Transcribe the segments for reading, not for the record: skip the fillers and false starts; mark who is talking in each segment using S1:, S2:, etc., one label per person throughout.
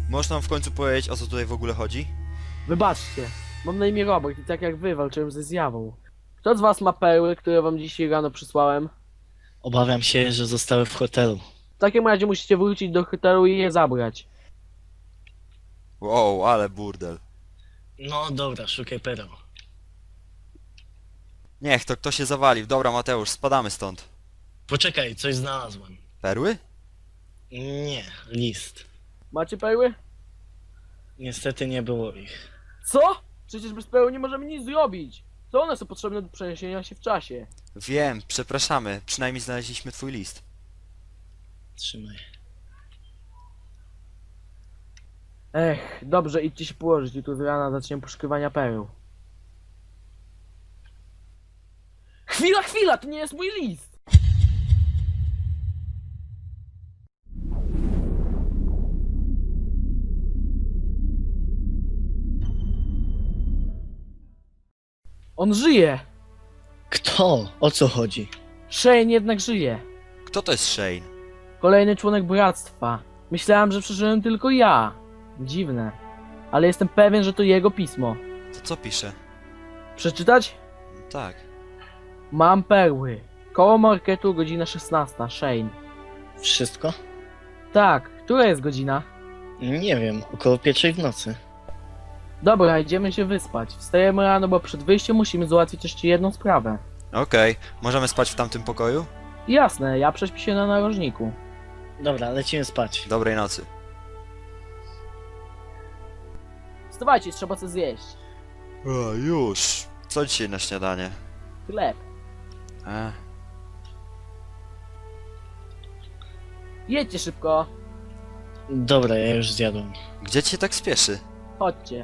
S1: Możesz nam w końcu powiedzieć, o co tutaj w ogóle chodzi?
S2: Wybaczcie, mam na imię Robert i tak jak wy walczyłem ze zjawą. Kto z was ma perły, które wam dzisiaj rano przysłałem?
S3: Obawiam się, że zostały w hotelu.
S2: W takim razie musicie wrócić do hotelu i je zabrać.
S1: Wow, ale burdel.
S3: No dobra, szukaj pereł.
S1: Niech to kto się zawalił. Dobra, Mateusz, spadamy stąd.
S3: Poczekaj, coś znalazłem.
S1: Perły?
S3: Nie, list.
S2: Macie perły?
S3: Niestety nie było ich.
S2: Co? Przecież bez perły nie możemy nic zrobić. Co one są potrzebne do przeniesienia się w czasie?
S1: Wiem, przepraszamy. Przynajmniej znaleźliśmy twój list.
S3: Trzymaj.
S2: Ech, dobrze, idźcie się położyć. Jutro z rana zaczniemy poszukiwania pereł. Chwila, to nie jest mój list! On żyje!
S3: Kto? O co chodzi?
S2: Shane jednak żyje.
S1: Kto to jest Shane?
S2: Kolejny członek bractwa. Myślałem, że przeżyłem tylko ja. Dziwne. Ale jestem pewien, że to jego pismo.
S1: To co pisze?
S2: Przeczytać?
S1: Tak.
S2: Mam perły. Koło marketu, godzina 16. Shane.
S3: Wszystko?
S2: Tak, która jest godzina?
S3: Nie wiem, około 1 w nocy.
S2: Dobra, idziemy się wyspać. Wstajemy rano, bo przed wyjściem musimy załatwić jeszcze jedną sprawę.
S1: Okej, możemy spać w tamtym pokoju?
S2: Jasne, ja prześpię się na narożniku.
S3: Dobra, lecimy spać.
S1: Dobrej nocy.
S2: Wstawajcie, trzeba coś zjeść.
S1: O, już. Co dzisiaj na śniadanie?
S2: Chleb.
S1: E,
S2: Jedźcie szybko.
S3: Dobra, ja już zjadłem.
S1: gdzie ci się tak spieszy?
S2: Chodźcie.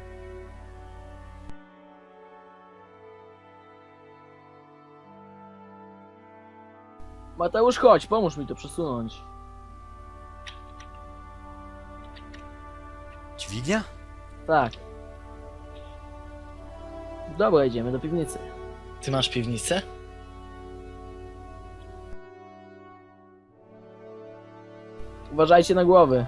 S2: Mateusz, chodź, pomóż mi to przesunąć.
S1: Dźwignia?
S2: Tak. Dobra, idziemy do piwnicy.
S3: Ty masz piwnicę?
S2: Uważajcie na głowy.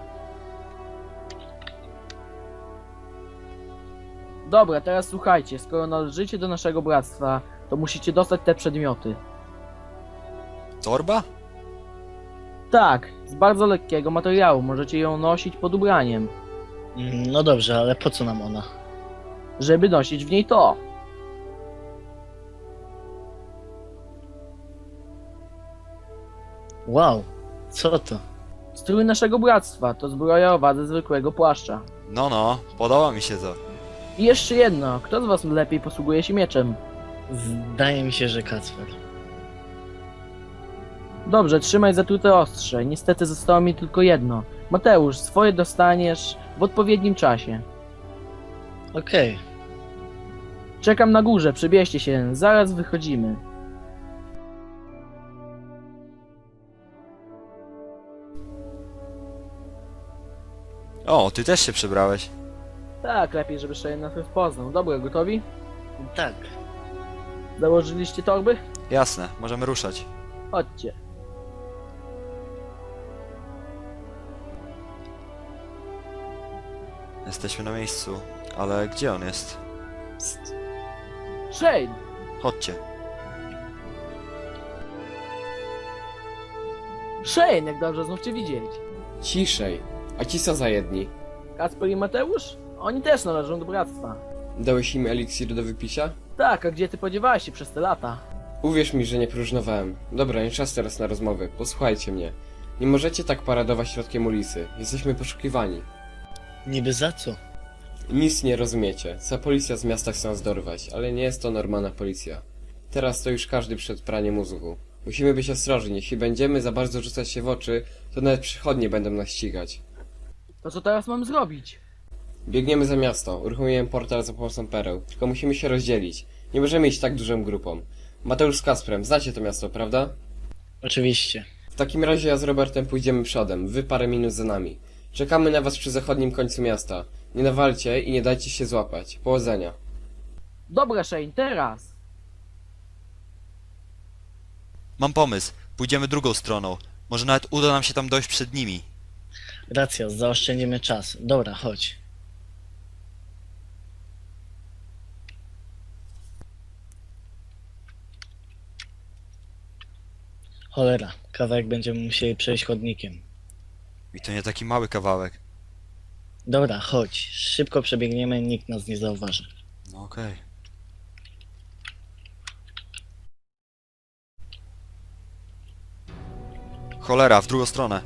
S2: Dobra, teraz słuchajcie, skoro należycie do naszego bractwa, to musicie dostać te przedmioty.
S1: Torba?
S2: Tak, z bardzo lekkiego materiału, możecie ją nosić pod ubraniem,
S3: No dobrze, ale po co nam ona?
S2: żeby nosić w niej to.
S3: Wow, co to?
S2: Strój naszego bractwa to zbroja o wadze zwykłego płaszcza.
S1: No, podoba mi się to.
S2: I jeszcze jedno, kto z was lepiej posługuje się mieczem?
S3: Zdaje mi się, że Kacper.
S2: Dobrze, trzymaj zatrute ostrze, niestety zostało mi tylko jedno. Mateusz, swoje dostaniesz w odpowiednim czasie.
S3: Okej.
S2: Czekam na górze, przebierzcie się, zaraz wychodzimy.
S1: O, ty też się przebrałeś.
S2: Tak, lepiej, żeby Shane nas poznał. Dobra, gotowi?
S3: Tak.
S2: Założyliście torby?
S1: Jasne, możemy ruszać.
S2: Chodźcie.
S1: Jesteśmy na miejscu, ale gdzie on jest?
S3: Psst.
S2: Shane!
S1: Chodźcie.
S2: Shane, jak dobrze znów cię widzieć.
S4: Ciszej. A ci co za jedni?
S2: Kacper i Mateusz? Oni też należą do bractwa.
S4: Dałeś im eliksir do wypicia?
S2: Tak, a gdzie ty podziewałeś się przez te lata?
S4: Uwierz mi, że nie próżnowałem. Dobra, nie czas teraz na rozmowy. Posłuchajcie mnie. Nie możecie tak paradować środkiem ulicy. Jesteśmy poszukiwani.
S3: Niby za co?
S4: Nic nie rozumiecie. Cała policja z miasta chce nas dorwać, ale nie jest to normalna policja. Teraz to już każdy przed praniem mózgu. Musimy być ostrożni. Jeśli będziemy za bardzo rzucać się w oczy, to nawet przychodnie będą nas ścigać.
S2: To co teraz mam zrobić?
S4: Biegniemy za miasto. Uruchomiłem portal za pomocą pereł. Tylko musimy się rozdzielić. Nie możemy iść tak dużą grupą. Mateusz z Kasprem, znacie to miasto, prawda?
S3: Oczywiście.
S4: W takim razie ja z Robertem pójdziemy przodem, wy parę minut za nami. Czekamy na was przy zachodnim końcu miasta. Nie nawalcie i nie dajcie się złapać. Powodzenia.
S2: Dobra, Shane, teraz!
S1: Mam pomysł. Pójdziemy drugą stroną. Może nawet uda nam się tam dojść przed nimi.
S3: Racja, zaoszczędzimy czas. Dobra, chodź. Cholera, kawałek będziemy musieli przejść chodnikiem.
S1: I to nie taki mały kawałek.
S3: Dobra, chodź. Szybko przebiegniemy, nikt nas nie zauważy.
S1: No okej. Cholera, w drugą stronę.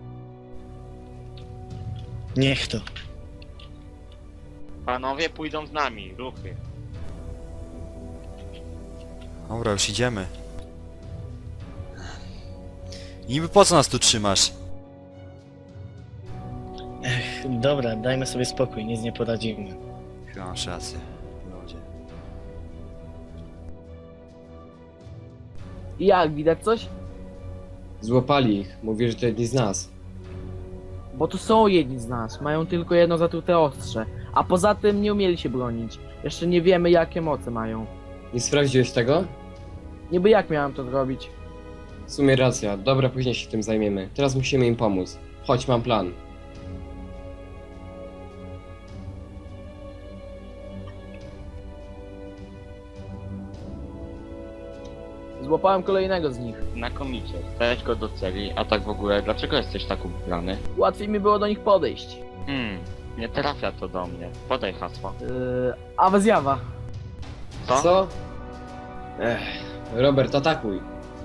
S3: Niech to.
S5: Panowie pójdą z nami, ruchy.
S1: Dobra, już idziemy. I niby po co nas tu trzymasz?
S3: Dobra, dajmy sobie spokój, nic nie poradzimy.
S1: Chyba masz rację. Ludzie.
S2: I jak, widać coś?
S4: Złapali ich. Mówi, że to jedni z nas.
S2: Bo to są jedni z nas, mają tylko jedno zatrute ostrze. A poza tym nie umieli się bronić. Jeszcze nie wiemy jakie moce mają.
S4: Nie sprawdziłeś tego?
S2: Niby jak miałem to zrobić?
S4: W sumie racja. Dobra, później się tym zajmiemy. Teraz musimy im pomóc. Chodź, mam plan.
S2: Złapałem kolejnego z nich.
S5: Znakomicie. Weź go do celi, a tak w ogóle, dlaczego jesteś tak ubrany?
S2: Łatwiej mi było do nich podejść.
S5: Nie trafia to do mnie. Podaj hasło.
S2: Awe zjawa.
S5: Co?
S4: Co? Robert, atakuj.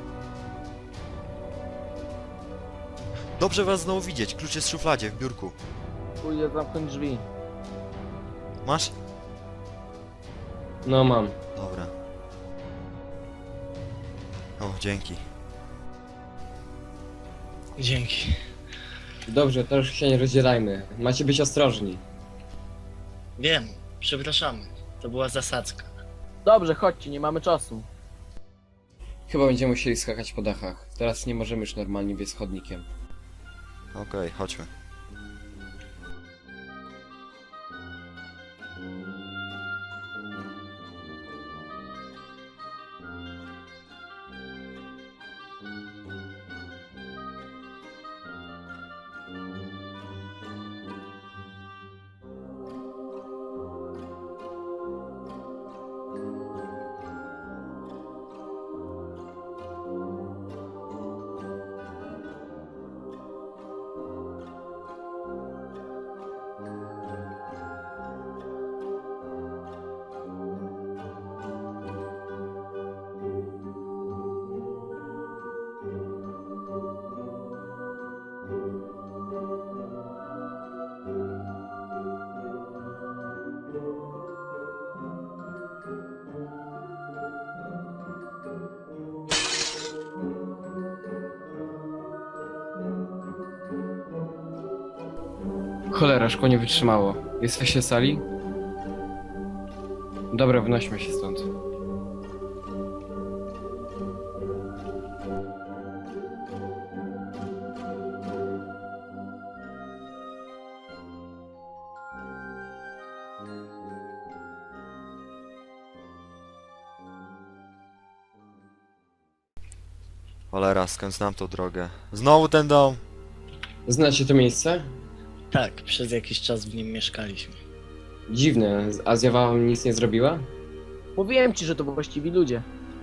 S1: Dobrze was znowu widzieć. Klucz jest w szufladzie, w biurku.
S2: Pójdę zamknąć drzwi.
S1: Masz?
S4: No mam.
S1: Dobra. O, dzięki.
S3: Dzięki.
S4: Dobrze, to już się nie rozdzielajmy. Macie być ostrożni.
S3: Wiem, przepraszamy. To była zasadzka.
S2: Dobrze, chodźcie, nie mamy czasu.
S4: Chyba będziemy musieli skakać po dachach. Teraz nie możemy już normalnie biec chodnikiem.
S1: Okej, chodźmy.
S4: Cholera, szkło nie wytrzymało. Jesteście sali? Dobra, wynośmy się stąd.
S1: Cholera, skąd znam tą drogę? Znowu ten dom!
S4: Znacie to miejsce?
S3: Tak, przez jakiś czas w nim mieszkaliśmy.
S4: Dziwne, a zjawa wam nic nie zrobiła?
S2: Mówiłem ci, że to właściwi ludzie.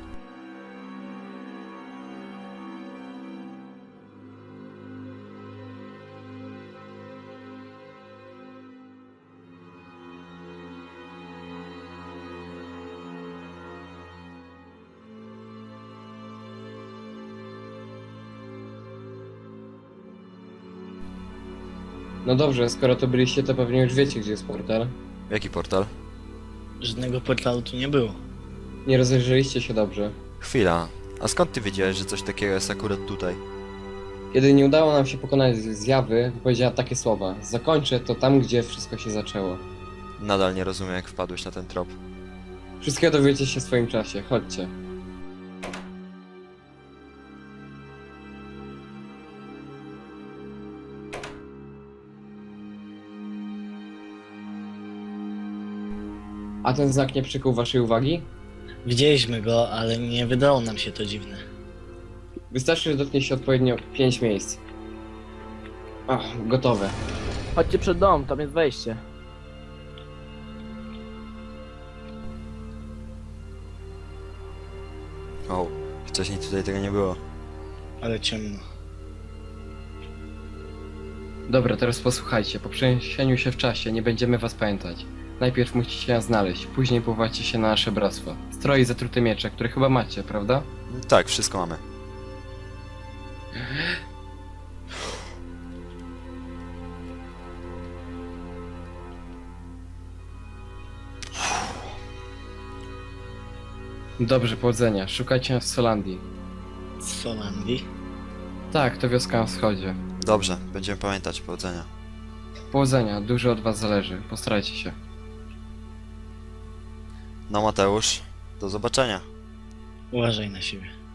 S4: No dobrze, skoro to byliście, to pewnie już wiecie, gdzie jest portal.
S1: Jaki portal?
S3: Żadnego portalu tu nie było.
S4: Nie rozejrzeliście się dobrze.
S1: Chwila. A skąd ty wiedziałeś, że coś takiego jest akurat tutaj?
S4: Kiedy nie udało nam się pokonać zjawy, powiedziała takie słowa. Zakończę to tam, gdzie wszystko się zaczęło.
S1: Nadal nie rozumiem, jak wpadłeś na ten trop.
S4: Wszystkiego dowiecie się w swoim czasie, chodźcie. A ten znak nie przykuł waszej uwagi?
S3: Widzieliśmy go, ale nie wydało nam się to dziwne.
S4: Wystarczy, że dotknie się odpowiednio 5 miejsc. Gotowe.
S2: Chodźcie przed dom, tam jest wejście.
S1: O, wcześniej tutaj tego nie było.
S3: Ale ciemno.
S4: Dobra, teraz posłuchajcie. Po przeniesieniu się w czasie nie będziemy was pamiętać. Najpierw musicie nas znaleźć, później powołacie się na nasze bractwo. Stroje i zatrute miecze, które chyba macie, prawda?
S1: Tak, wszystko mamy.
S4: Dobrze, powodzenia. Szukajcie nas w Solandii.
S3: Z Solandii?
S4: Tak, to wioska na wschodzie.
S1: Dobrze, będziemy pamiętać. Powodzenia.
S4: Powodzenia, dużo od was zależy. Postarajcie się.
S1: No Mateusz, do zobaczenia.
S3: Uważaj na siebie.